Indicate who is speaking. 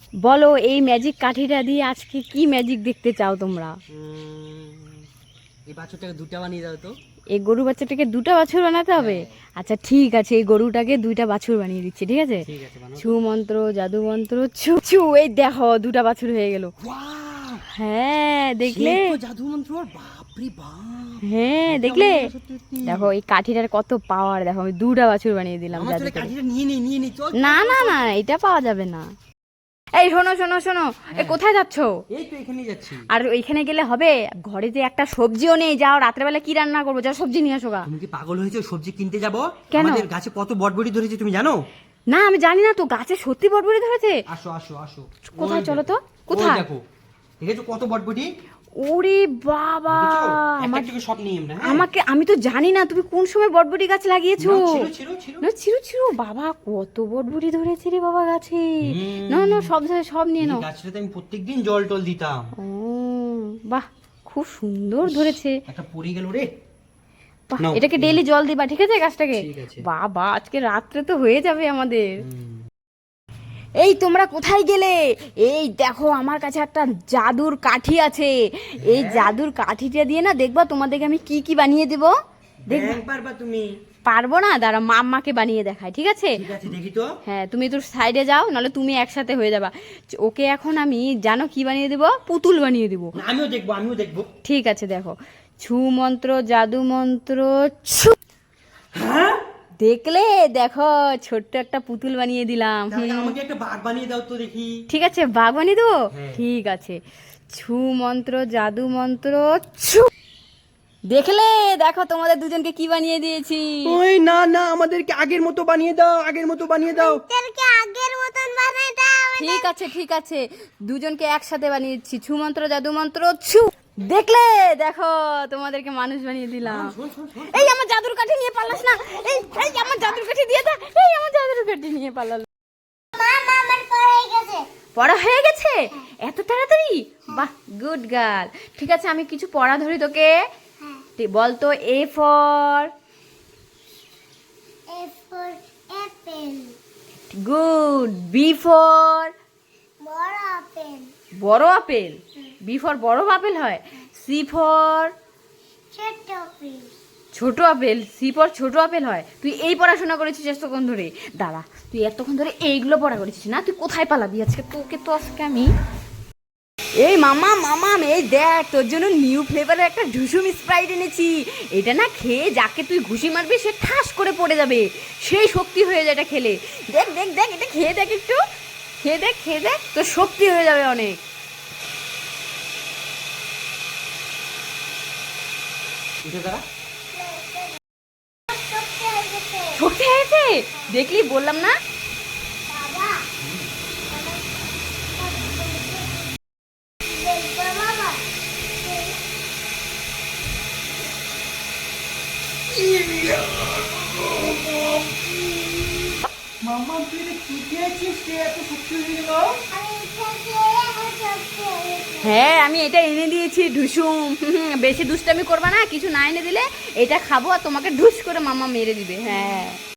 Speaker 1: বলো এই ম্যাজিক কাঠিটা দিয়ে আজকে কি ম্যাজিক দেখতে চাও তোমরা?
Speaker 2: এই বাছুরটাকে দুটো বানিয়ে দাও তো।
Speaker 1: এই গরু বাচ্চাটাকে দুটো বাছুর বানাতে হবে? আচ্ছা ঠিক আছে, এই গরুটাকে দুইটা বাছুর বানিয়ে দিচ্ছি, ঠিক আছে?
Speaker 2: ঠিক আছে, বানাও।
Speaker 1: ছু মন্ত্র জাদু মন্ত্র ছু ছু, এই দেখো দুটা বাছুর হয়ে গেল।
Speaker 2: ওয়াও,
Speaker 1: হ্যাঁ দেখলে?
Speaker 2: সেই তো জাদু মন্ত্র, বাপ রে বাপ।
Speaker 1: হ্যাঁ দেখলে? দেখো এই কাঠিটার কত পাওয়ার, দেখো আমি দুটা বাছুর বানিয়ে দিলাম
Speaker 2: আমার
Speaker 1: জাদু
Speaker 2: চলে
Speaker 1: করে।
Speaker 2: কাঠিটা নিয়ে নে চল।
Speaker 1: না না না, এটা পাওয়া যাবে না। এই শোনো শোনো শোনো, এই কোথায় যাচ্ছো?
Speaker 2: এই তো এখানেই যাচ্ছি।
Speaker 1: আর ওইখানে গেলে হবে? ঘরে যে একটা সবজিও নেই, যাও রাত্রেবেলা কি রান্না করবো, যাও সবজি নিয়ে আসো গা।
Speaker 2: তুমি কি পাগল হয়েছো? সবজি কিনতে যাব?
Speaker 1: কেন?
Speaker 2: আমাদের গাছে কত বটবটি ধরেছে তুমি জানো?
Speaker 1: না আমি জানি না তো, গাছে সত্যি বটবটি ধরেছে?
Speaker 2: আসো আসো আসো।
Speaker 1: কোথায়
Speaker 2: ওই
Speaker 1: চলো তো,
Speaker 2: দেখো,
Speaker 1: কোথায়?
Speaker 2: ওই দেখো, দেখেছো কত বটবটি?
Speaker 1: ওরে বাবা,
Speaker 2: দেখেছো? একটা
Speaker 1: আমার
Speaker 2: থেকে সব নিয়ে আমরা, হ্যাঁ?
Speaker 1: আমাকে, আমি তো জানি না তুমি কোন সময় বটবটি গাছ লাগিয়েছো।
Speaker 2: না, ছিল ছিল ছিল।
Speaker 1: না ছিরু ছিরু, বাবা কত বটবটি ধরেছে রে বাবা গাছে। না না, সব সব নিয়ে
Speaker 2: এই
Speaker 1: নাও।
Speaker 2: গাছটাতে আমি প্রত্যেকদিন জল টল দিতাম।
Speaker 1: ও বাহ, খুব সুন্দর ধরেছে।
Speaker 2: একটা পড়ে গেল রে।
Speaker 1: বাহ,
Speaker 2: নাও।
Speaker 1: এটাকে ডেইলি জল দিবা, ঠিক আছে গাছটাকে?
Speaker 2: ঠিক আছে।
Speaker 1: বাবা আজকে রাত্রে তো হয়ে যাবে আমাদের। এই তোমরা কোথায় গেলে? এই দেখো আমার কাছে একটা জাদুর কাঠি আছে। এই জাদুর কাঠিটা দিয়ে না দেখবা তোমাদেরকে আমি কি কি বানিয়ে দেব। দেখবা?
Speaker 2: পারবা তুমি?
Speaker 1: পারবো না, দাঁড়া মাম্মাকে বানিয়ে দেখায়, ঠিক আছে?
Speaker 2: ঠিক আছে, দেখি তো।
Speaker 1: হ্যাঁ তুমি তো সাইডে যাও, নাহলে তুমি একসাথে হয়ে যাবা। ওকে এখন আমি জানো কি বানিয়ে দেবো, পুতুল বানিয়ে দেবো।
Speaker 2: না, আমিও দেখবো আমিও দেখবো।
Speaker 1: ঠিক আছে দেখো, ছু মন্ত্র জাদু মন্ত্র ছু।
Speaker 2: হ্যাঁ,
Speaker 1: দেখলে? দেখো ছোট্ট একটা পুতুল বানিয়ে দিলাম।
Speaker 2: তাহলে আমাকে একটা বাঘ বানিয়ে দাও তো দেখি।
Speaker 1: ঠিক আছে বাঘ বানিয়ে দেবো।
Speaker 2: হ্যাঁ।
Speaker 1: ঠিক আছে, ছু মন্ত্র জাদু মন্ত্র ছু। দেখলে? দেখো তোমাদের দুজনকে কি বানিয়ে দিয়েছি।
Speaker 2: ওই না না, আমাদেরকে আগের মতো বানিয়ে দাও, আগের মতো বানিয়ে দাও।
Speaker 1: ঠিক আছে ঠিক আছে, দুজনকে একসাথে বানিয়ে দিচ্ছি, ছু মন্ত্র জাদু মন্ত্র ছু। দেখলে? দেখো তোমাদেরকে মানুষ বানিয়ে দিলাম।
Speaker 2: শোন শোন শোন,
Speaker 1: এই আমার জাদুর কাঠি নিয়ে পালাস না। এই এই আমার জাদুর কাঠি দিয়ে দা। এই আমার জাদুর কাঠি নিয়ে পালালো। পড়া হয়ে গেছে এত তাড়াতাড়ি? বাহ, গুড গার্ল। ঠিক আছে আমি কিছু পড়া ধরি তোকে। বল তো, A for
Speaker 3: apple,
Speaker 1: good, B for
Speaker 3: বড় আপেল,
Speaker 1: বড় আপেল, বি ফর বড় আপেল হয়, সি ফর
Speaker 3: ছোট আপেল,
Speaker 1: ছোট আপেল, সি ফর ছোট আপেল হয়। তুই এই পড়াশোনা করেছিস এতক্ষণ ধরে? দাঁড়া, তুই এতক্ষণ ধরে এইগুলো পড়া করেছিস না? তুই কোথায় পালাবি আজকে? তোকে তো আজকে আমি, এই মামা মামা এই দেখ তোর জন্য নিউ ফ্লেভারের একটা ঢুসুম স্প্রাইট এনেছি। এটা না খেয়ে যাকে তুই ঘুষি মারবি সে ঠাস করে পড়ে যাবে, সেই শক্তি হয়ে যায় এটা খেলে। দেখ দেখ দেখ, এটা খেয়ে দেখ, একটু খেয়ে দেখ, তোর শক্তি হয়ে যাবে অনেক।
Speaker 2: উঠে দাঁড়া।
Speaker 1: শক্তি হয়েছে, দেখলি বললাম না?
Speaker 3: বাবা, দেখবা বাবা,
Speaker 2: মামা তুই এটা কি খেয়েছিস রে? এত শক্তি হয়ে গেল।
Speaker 3: আমি খেতে এখন সত্যি হয়েছে।
Speaker 1: হ্যাঁ আমি এটা এনে দিয়েছি ঢুসুম। বেশি দুষ্টামি করবা না, কিছু না এনে দিলে এটা খাবো আর তোমাকে ঢুস করে মামা মেরে দিবে। হ্যাঁ।